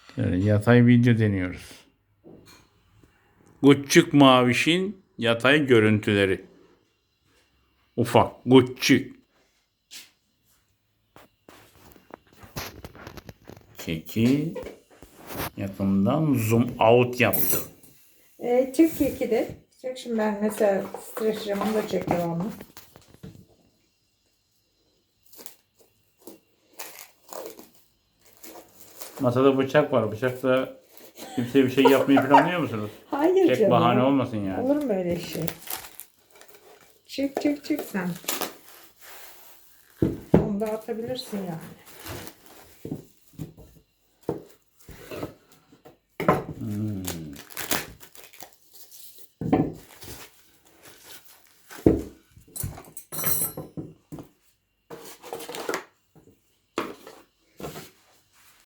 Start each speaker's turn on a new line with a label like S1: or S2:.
S1: Yatay video deniyoruz. Küçük mavişin yatay görüntüleri. Ufak, küçük. Keki yakından zoom out yaptım.
S2: Çek keki de. Çek şimdi ben mesela streç camını da çek devamlı.
S1: Masada bıçak var. Bıçakla kimseye bir şey yapmayı planlıyor musunuz?
S2: Hayır
S1: Tek
S2: canım.
S1: bahane olmasın yani.
S2: Olur mu öyle şey? Çek sen. Onu da atabilirsin yani.